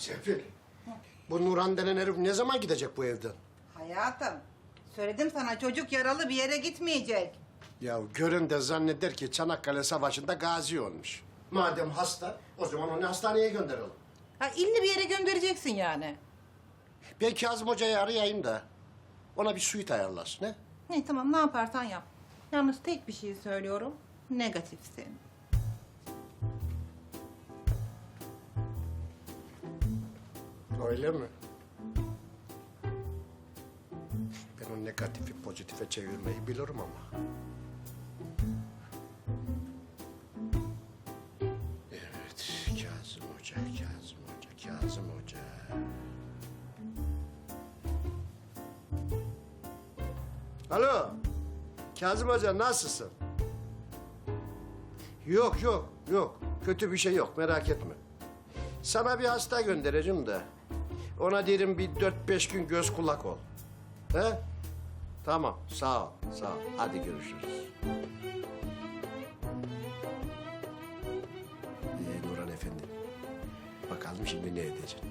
Serpil, bu Nurhan denen herif ne zaman gidecek bu evden? Hayatım, söyledim sana çocuk yaralı bir yere gitmeyecek. Ya görün de zanneder ki Çanakkale Savaşı'nda gazi olmuş. Madem hasta, o zaman onu hastaneye gönderelim. Ha illi bir yere göndereceksin yani. Ben Kazım Hoca'yı arayayım da ona bir suite ayarlasın, he? Ne tamam ne yaparsan yap. Yalnız tek bir şey söylüyorum, negatifsin. Öyle mi? Ben o negatifi pozitife çevirmeyi bilirim ama. Evet, Kazım Hoca, Kazım Hoca, Kazım Hoca. Alo, Kazım Hoca nasılsın? Yok, yok, yok. Kötü bir şey yok, merak etme. Sana bir hasta göndereceğim de. Ona derim bir 4-5 gün göz kulak ol. He? Tamam, sağ ol, sağ ol. Hadi görüşürüz. Nurhan Efendi, bakalım şimdi ne edeceksin?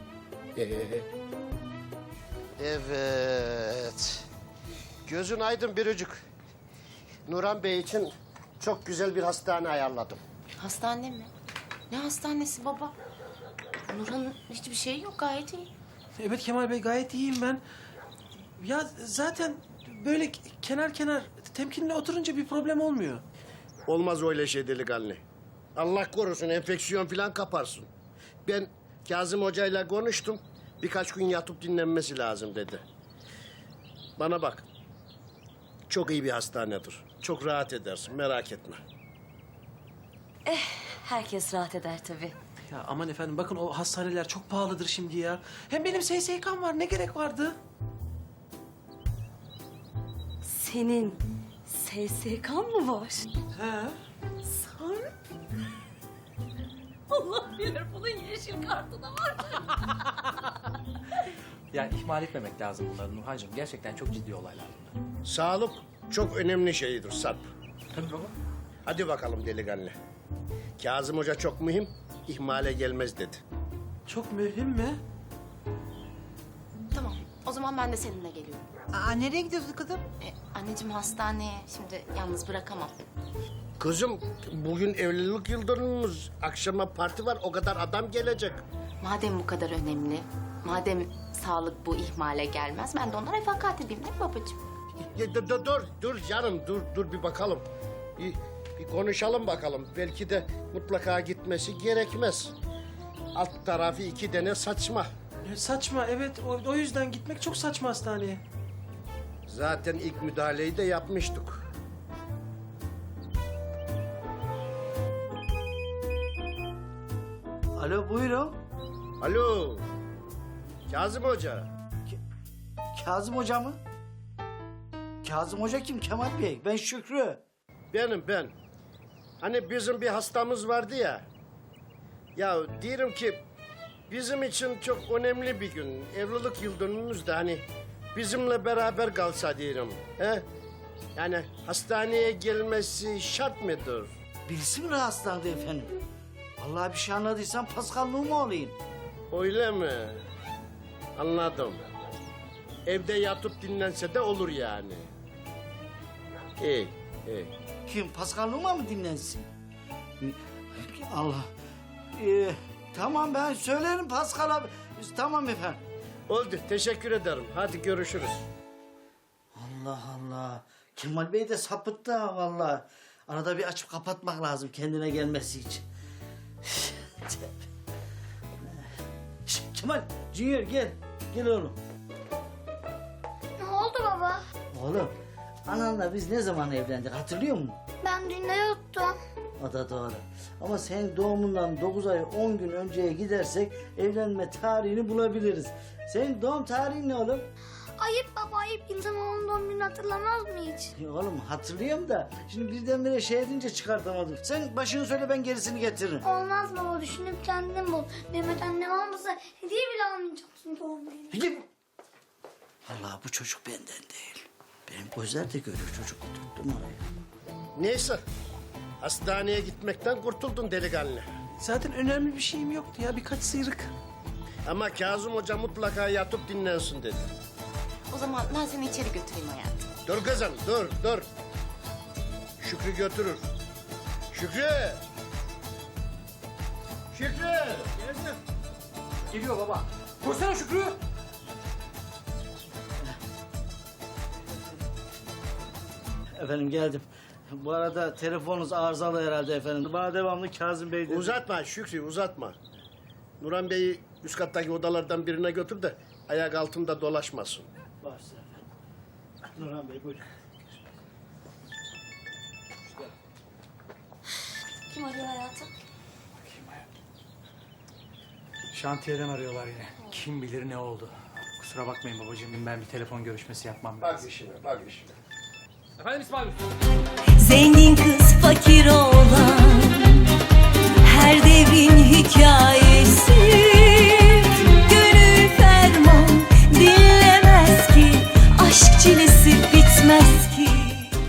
Evet. Gözün aydın Biricik. Nurhan Bey için çok güzel bir hastane ayarladım. Hastane mi? Ne hastanesi baba? Nurhan'ın hiçbir şeyi yok, gayet iyi. Evet Kemal Bey, gayet iyiyim ben. Ya zaten böyle kenar kenar temkinli oturunca bir problem olmuyor. Olmaz öyle şey delikanlı. Allah korusun enfeksiyon falan kaparsın. Ben Kazım Hoca'yla konuştum. Birkaç gün yatıp dinlenmesi lazım dedi. Bana bak. Çok iyi bir hastanedir. Çok rahat edersin merak etme. Herkes rahat eder tabii. Ya aman efendim, bakın o hastaneler çok pahalıdır şimdi ya. Hem benim SSK'm var, ne gerek vardı? Senin SSK'n mı var? He. Sarp. Allah bilir bunun yeşil kartı da var. Ya ihmal etmemek lazım bunları Nurhancığım. Gerçekten çok ciddi olaylar bunlar. Sağlık çok önemli şeydir Sarp. Tabii baba. Hadi bakalım delikanlı. Kazım Hoca çok mühim, ihmale gelmez dedi. Çok mühim mi? Tamam, o zaman ben de seninle geliyorum. Aa nereye gidiyorsun kızım? Anneciğim hastaneye şimdi yalnız bırakamam. Kızım bugün evlilik yıldönümümüz. Akşama parti var, o kadar adam gelecek. Madem bu kadar önemli, madem sağlık bu ihmale gelmez, ben de ona refakat edeyim değil mi babacığım? Ya, dur canım, dur bir bakalım. Bir konuşalım bakalım. Belki de mutlaka gitmesi gerekmez. Alt tarafı 2 tane saçma. Saçma, evet. O yüzden gitmek çok saçma hastaneye. Zaten ilk müdahaleyi de yapmıştık. Alo buyurun. Alo, Kazım Hoca. Kazım Hoca mı? Kazım Hoca kim Kemal Bey? Ben Şükrü. Ben. Hani bizim bir hastamız vardı ya. Ya diyorum ki bizim için çok önemli bir gün. Evlilik yıldönümümüz de hani bizimle beraber kalsa diyorum. He? Yani hastaneye gelmesi şart mıdır? Birisi mi rahatsızlandı efendim? Vallahi bir şey anladıysam Pascal Numa olayım. Öyle mi? Anladım. Evde yatıp dinlense de olur yani. İyi. Kim? Pascal Numa mı dinlensin? Allah. Tamam ben söylerim Pascal abi. Tamam efendim. Oldu. Teşekkür ederim. Hadi görüşürüz. Allah Allah. Kemal Bey de sapıttı ha vallahi. Arada bir açıp kapatmak lazım kendine gelmesi için. Kemal, Junior gel. Gel oğlum. Ne oldu baba? Oğlum, ananla biz ne zaman evlendik hatırlıyor musun? Ben dün de yuttum. O da doğru. Ama senin doğumundan 9 ay 10 gün önceye gidersek evlenme tarihini bulabiliriz. Senin doğum tarihin ne oğlum? Ayıp baba ayıp. İnsan onun doğum gününü hatırlamaz mı hiç? Ya oğlum hatırlıyorum da şimdi birdenbire şey edince çıkartamadım. Sen başını söyle ben gerisini getiririm. Olmaz baba düşünüp kendin bul. Mehmet annem almasa hediye bile almayacaksın doğum gününe. Gidip. Allah bu çocuk benden değil. Benim gözler de görüyor çocuk oturttum oraya. Neyse. Hastaneye gitmekten kurtuldun delikanlı. Zaten önemli bir şeyim yoktu ya, birkaç sıyrık. Ama Kazım Hoca mutlaka yatıp dinlensin dedi. O zaman ben seni içeri götüreyim hayatım. Dur kızım, dur. Şükrü götürür. Şükrü! Şükrü! Geliyor baba. Koşsana Şükrü. Efendim geldim. Bu arada telefonunuz arızalı herhalde efendim. Bana devamlı Kazım Bey dedi. Uzatma Şükrü, uzatma. Nurhan Bey'i üst kattaki odalardan birine götür de ayak altında dolaşmasın. Başla efendim. Nurhan Bey buyurun. Kim arıyor hayatım? Şantiyeden arıyorlar yine. Kim bilir ne oldu. Kusura bakmayın babacığım, ben bir telefon görüşmesi yapmam Bak lazım. işine, bak işine. Efendim İsmail? Zengin kız fakir oğlan